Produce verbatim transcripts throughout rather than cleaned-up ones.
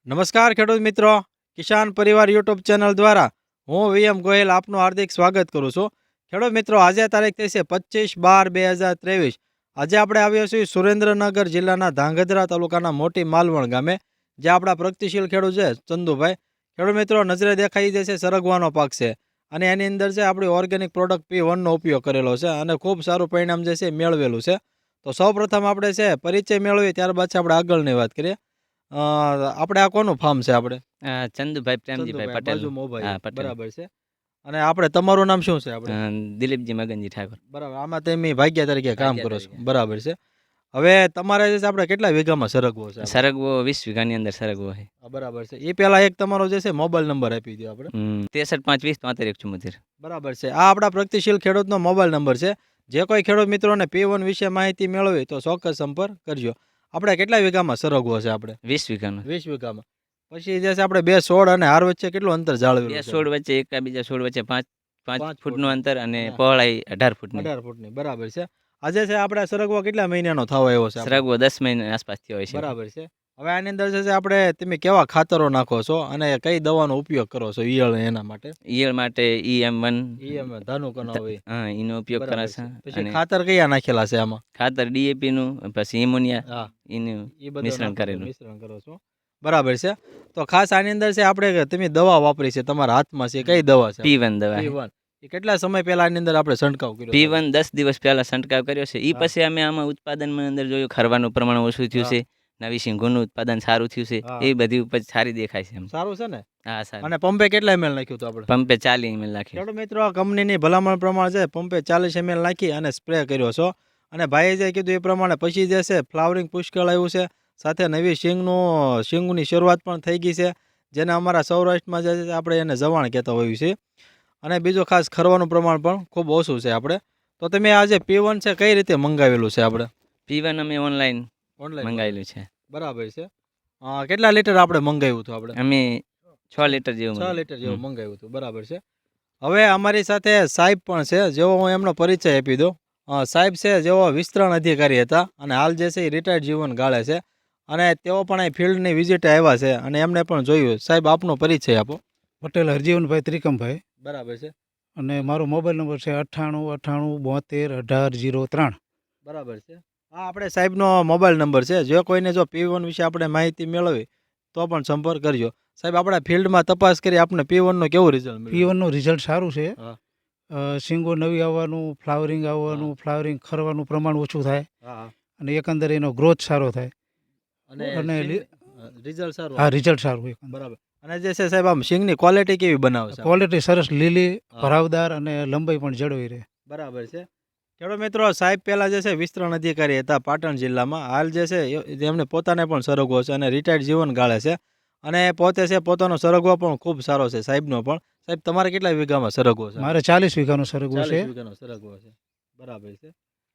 નમસ્કાર ખેડૂત મિત્રો, કિસાન પરિવાર યુટ્યુબ ચેનલ દ્વારા હું વીએમ ગોહિલ આપનું હાર્દિક સ્વાગત કરું છું. ખેડૂત મિત્રો, આજે તારીખ થઈ છે પચીસ બાર બે હજાર ત્રેવીસ. આજે આપણે આવ્યા છીએ સુરેન્દ્રનગર જિલ્લાના ધાંગધ્રા તાલુકાના મોટી માલવણ ગામે, જે આપણા પ્રગતિશીલ ખેડૂત છે ચંદુભાઈ. ખેડૂત મિત્રો, નજરે દેખાઈ જશે સરગવાનો પાક છે અને એની અંદર છે આપણી ઓર્ગેનિક પ્રોડક્ટ પી વનનો ઉપયોગ કરેલો છે અને ખૂબ સારું પરિણામ જે છે મેળવેલું છે. તો સૌ પ્રથમ આપણે છે પરિચય મેળવીએ, ત્યારબાદ છે આપણે આગળની વાત કરીએ. અ, આપણે આ કોનું ફાર્મ છે? આપણે અ, ચંદુભાઈ પ્રેમજીભાઈ ચંદુભાઈ પટેલ. બાજુ મોબાઈલ, હા, પટેલ. બરાબર છે. અને આપણે તમારું નામ શું છે? આપણે અ, દિલીપજી મગનજી ઠાકોર. બરાબર, આમાં તમે ભાગ્યા તરીકે કામ ભાગ્યા કરો છો, તરીકે. બરાબર છે. હવે તમારે જે છે આપણે કેટલા વીઘામાં સરગવો છે આપણે? સરગવો વીસ વીઘાની અંદર સરગવો છે. હા, બરાબર છે. એ પહેલા એક તમારો જે છે મોબાઈલ નંબર આપી દો આપણે. હમ, ત્રેસઠ પાંચ વીસ તોતેર એક ચુમ્મોતેર. બરાબર છે. આ આપણા પ્રગતિશીલ ખેડૂતનો મોબાઈલ નંબર છે. જે કોઈ ખેડૂત મિત્રોને પી વન વિશે માહિતી મેળવી તો ચોક્કસ સંપર્ક કરજો. આપણે કેટલા વીઘામાં સરગવો છે? આપણે વીસ વીઘાનો. વીસ વીઘામાં. પછી જે છે આપણે બે છોડ અને હાર વચ્ચે કેટલું અંતર જાળવેલું બે છે? છોડ વચ્ચે એક બીજા છોડ વચ્ચે પાંચ પાંચ પાંચ ફૂટનું અંતર અને હા. પહોળાઈ અઢાર ફૂટની. અઢાર ફૂટની, બરાબર છે. આજે છે આપણે સરગવો કેટલા મહિનાનો થવા આવ્યો છે આપણે? સરગવો દસ મહિના આસપાસ થયો હોય છે. બરાબર છે. હવે આની અંદર જે છે આપણે તમે કેવા ખાતરો નાખો છો અને કઈ દવાનો ઉપયોગ કરો છો ઈયળ એના માટે? ઈયળ માટે ઈ એમ વન. ઈ એમ ધાનુકનો હોય, હા, એનો ઉપયોગ બરાબર કરે છે. છે. પછી અને ખાતર કયા નાખેલા છે આમાં? ખાતર ડીએપી નું, પછી ઇમોનિયા, હા, એનું એ બધું મિશ્રણ નાખો છો, કરેલું. મિશ્રણ કરો છો, બરાબર છે. તો ખાસ આની અંદર છે આપણે તમે દવા વાપરી છે, તમારા હાથમાં છે, કઈ દવા છે? પી વન દવા. પી વન. એ કેટલા સમય પહેલા આની અંદર આપણે છંટકાવ કર્યો? પી વન દસ દિવસ પહેલા છંટકાવ કર્યો છે. એ હા. પછી અમે આમાં ઉત્પાદનમાં અંદર જોયું ખરવાનું પ્રમાણ ઓછું થયું હા. છે, નવી સિંગોનું ઉત્પાદન સારું થયું છે. હા. એ બધી ઉપજ સારી દેખાય છે એમ. સારું છે ને? હા, સારું. અને પંપે કેટલા એમએલ નાખ્યું હતું આપણે? પંપે ચાલી એમએલ નાખ્યું. ખેડૂત મિત્રો, કંપનીની ભલામણ પ્રમાણે છે પંપે ચાલીસ એમએલ નાખી અને સ્પ્રે કર્યો છો. અને ભાઈએ જે કીધું એ પ્રમાણે પછી જે છે ફ્લાવરિંગ પુષ્કળ આવ્યું છે, સાથે નવી શીંગનું શીંગની શરૂઆત પણ થઈ ગઈ છે, જેને અમારા સૌરાષ્ટ્રમાં જે છે આપણે એને જવાણ કહેતા હોઈએ છીએ. અને બીજું ખાસ ખરવાનું પ્રમાણ પણ ખૂબ ઓછું છે આપણે. તો તમે આ જે પી વન છે કઈ રીતે મંગાવેલું છે આપણે? પી વન અમે ઓનલાઈન ઓનલાઈન મંગાવેલું છે. બરાબર છે. અ, કેટલા લીટર આપણે મંગાવ્યું હતું? આપણે અમે છ લીટર જેવું છ મંગાવ્યું. લીટર જેવું હમ. મંગાવ્યું હતું, બરાબર છે. હવે અમારી સાથે સાહેબ પણ છે, જેવો હું એમનો પરિચય આપી દઉં. અ, સાહેબ છે જેઓ વિસ્તરણ અધિકારી હતા અને હાલ જે છે એ રિટાયર્ડ જીવન ગાળે છે અને તેઓ પણ અહીં ફિલ્ડની વિઝિટે આવ્યા છે અને એમને પણ જોયું. સાહેબ, આપનો પરિચય આપો. પટેલ હરજીવનભાઈ ત્રિકમભાઈ, બરાબર છે, અને મારો મોબાઈલ નંબર છે અઠ્ઠાણું અઠ્ઠાણું બોતેર અઢાર જીરો ત્રણ. બરાબર છે. આ આપણે સાહેબનો મોબાઈલ નંબર છે. જે કોઈને જો પી વન વિશે આપણે માહિતી મેળવી તો પણ સંપર્ક કરજો. સાહેબ, આપણે ફિલ્ડમાં તપાસ કરી આપણે પી વનનું કેવું રિઝલ્ટ પી મળ્યું? વનનું રિઝલ્ટ સારું છે. હા. અ, શીંગો નવી આવવાનું, ફ્લાવરિંગ આવવાનું, ફ્લાવરિંગ ખરવાનું પ્રમાણ ઓછું થાય હા. અને એકંદરે એનો ગ્રોથ સારો થાય. અને અને લી- રિઝલ્ટ સારું હા, આવે. રિઝલ્ટ સારું એકંદરે. બરાબર. અને જે છે સાહેબ, આમ સિંગની ક્વોલિટી કેવી બનાવે છે? ક્વોલિટી સરસ, લીલી, હા. ભરાવદાર અને લંબાઈ પણ જળવાઈ રહે. બરાબર છે. ખેડૂત મિત્રો, સાહેબ પહેલા જે છે વિસ્તરણ અધિકારી હતા પાટણ જિલ્લામાં. હાલ જે છે એ- એમને પોતાને પણ સરગવો છે અને રિટાયર્ડ જીવન ગાળે છે અને પોતે છે પોતાનો સરગવો પણ ખૂબ સારો છે સાહેબનો પણ. સાહેબ, તમારે કેટલા વીઘામાં સરગવો છે? મારે ચાલીસ વીઘાનો સરગવો છે. ચાલીસ વીઘાનો સરગવો છે, બરાબર છે.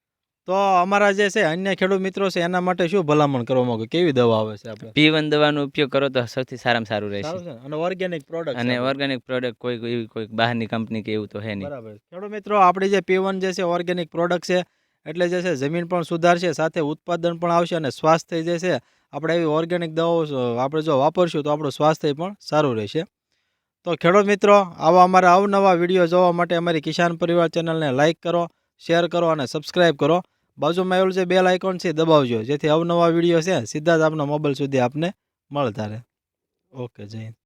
તો અમારા જે છે અન્ય ખેડૂત મિત્રો છે એના માટે શું ભલામણ કરવા માંગો? કેવી દવા આવે છે આપણે? પી વન દવાનો ઉપયોગ કરો તો સૌથી સારામાં સારું રહેશે. સારું છે ને? અને ઓર્ગેનિક પ્રોડક્ટ અને ઓર્ગેનિક પ્રોડક્ટ કોઈ કોઈ એવી કોઈ બહારની કંપની કે એવું તો હે નહીં. બરાબર. ખેડૂત મિત્રો, આપણી જે પી વન જે છે ઓર્ગેનિક પ્રોડક્ટ છે, એટલે જે છે જમીન પણ સુધારશે, સાથે ઉત્પાદન પણ આવશે અને સ્વાસ્થ્ય જે છે આપણે એવી ઓર્ગેનિક દવાઓ આપણે જો વાપરશું તો આપણું સ્વાસ્થ્ય પણ સારું રહેશે. તો ખેડૂત મિત્રો, આવા અમારા અવનવા વિડીયો જોવા માટે અમારી કિસાન પરિવાર ચેનલને લાઇક કરો, શેર કરો અને સબસ્ક્રાઇબ કરો. બાજુમાં આવેલું જે બેલ આઇકોન છે દબાવજો, જેથી અવનવા વિડીયો છે સીધા જ આપણા મોબાઈલ સુધી આપને મળતા રહે. ઓકે, જય હિન્દ.